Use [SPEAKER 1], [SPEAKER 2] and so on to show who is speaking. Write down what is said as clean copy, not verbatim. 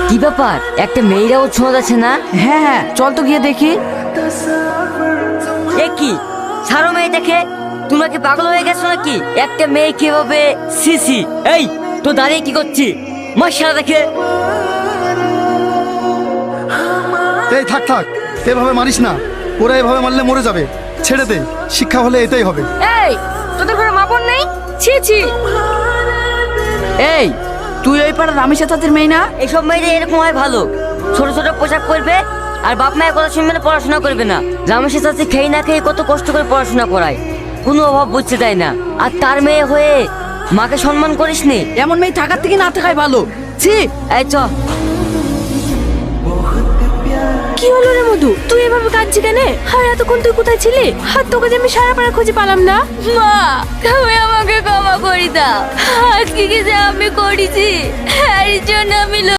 [SPEAKER 1] কি ব্যাপার, একটা মেয়েরাও ছোঁয়া যাচ্ছে না?
[SPEAKER 2] হ্যাঁ হ্যাঁ, চল তো গিয়ে দেখি।
[SPEAKER 1] এ কি ছাড়ো মেয়েটাকে, তোমরা কি পাগল হয়ে গেছো নাকি? একটা মেয়ে কিভাবে সিসি? এই তো দাঁড়িয়ে কি করছি, মশারা দেখে।
[SPEAKER 3] এই থাক থাক, এভাবে মারিস না, ওরা এভাবে মারলে মরে যাবে। ছেড়ে দে, শিক্ষা হলে এটাই হবে।
[SPEAKER 4] এই তোদের ঘরে মা বোন নেই? ছি ছি।
[SPEAKER 2] এই তুই ওই পাড়ার রামেশ চাচাদের মেয়ে না?
[SPEAKER 1] এইসব মেয়েরা এরকম হয় ভালো, ছোট ছোট পোশাক পরবে আর বাপ মায়ের কথা শুনবে না, পড়াশোনা করবে না। রামেশের চাচি খেয়ে না খেয়ে কত কষ্ট করে পড়াশোনা করায়, কোনো অভাব বুঝতে দেয় না। আর তার মেয়ে হয়ে মাকে সম্মান করিসনি?
[SPEAKER 2] এমন মেয়ে থাকার থেকে না থাকাই ভালো। ছি।
[SPEAKER 1] এই চ।
[SPEAKER 4] কি হলো রে মধু, তুই এভাবে কাঁদছি কেন? আর এতক্ষণ তুই কোথায় ছিলি? আর তোকে যে আমি সারা পাড়া খুঁজে পেলাম না। মা, তুমি আমাকে ক্ষমা করে দাও। আজকে কি যে আমি করেছি, এর জন্য আমি